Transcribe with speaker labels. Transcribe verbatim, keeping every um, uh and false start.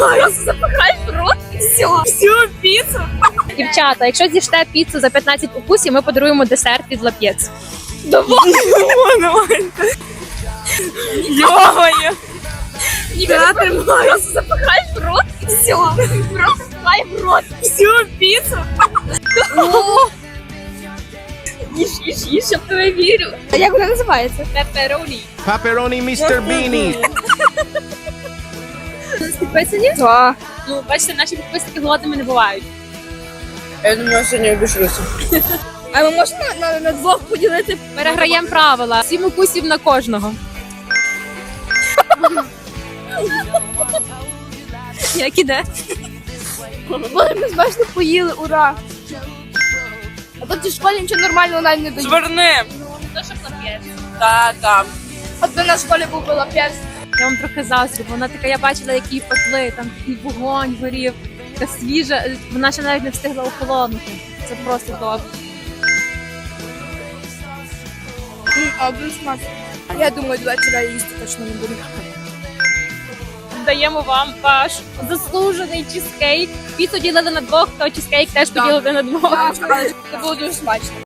Speaker 1: Просто запихай в рот і все. Всю піцу.
Speaker 2: Дівчата, якщо з'їжте піцу за п'ятнадцять укусів, ми подаруємо десерт від Лап'єц.
Speaker 1: Давай. Давай. Йо-моє. Я тримаю. Просто запихай в рот і все. Просто запихай в рот всю піцу. Їж, їж, їж, я в тебе вірю. А як вона називається? Пеппероні.
Speaker 3: Pepperoni містер Beanie.
Speaker 2: Підписані?
Speaker 1: Так.
Speaker 2: Ну, бачите, наші підписники голодними не бувають.
Speaker 1: Я думаю, сьогодні обійшлося. А ми можемо на, на, на двох поділити?
Speaker 2: Переграємо правила. Сім укусів на кожного. Як іде?
Speaker 1: Боже, ми смачно поїли, ура! А тут в школі нічого нормального навіть не дають.
Speaker 4: Зверни.
Speaker 2: То, щоб Лап'єц.
Speaker 4: Та, та.
Speaker 1: От би на школі був би Лап'єц.
Speaker 2: Я вам трохи заздрю, бо вона така, я бачила, які пекли, там такий вогонь горів, така свіжа, вона ще навіть не встигла охолонути. Це просто добре.
Speaker 1: А дуже смачно. Я думаю, до вечора їсти точно не буду.
Speaker 2: Даємо вам ваш заслужений чизкейк. Піцу ділили на двох, то чизкейк теж поділили на двох.
Speaker 1: Це було дуже смачно.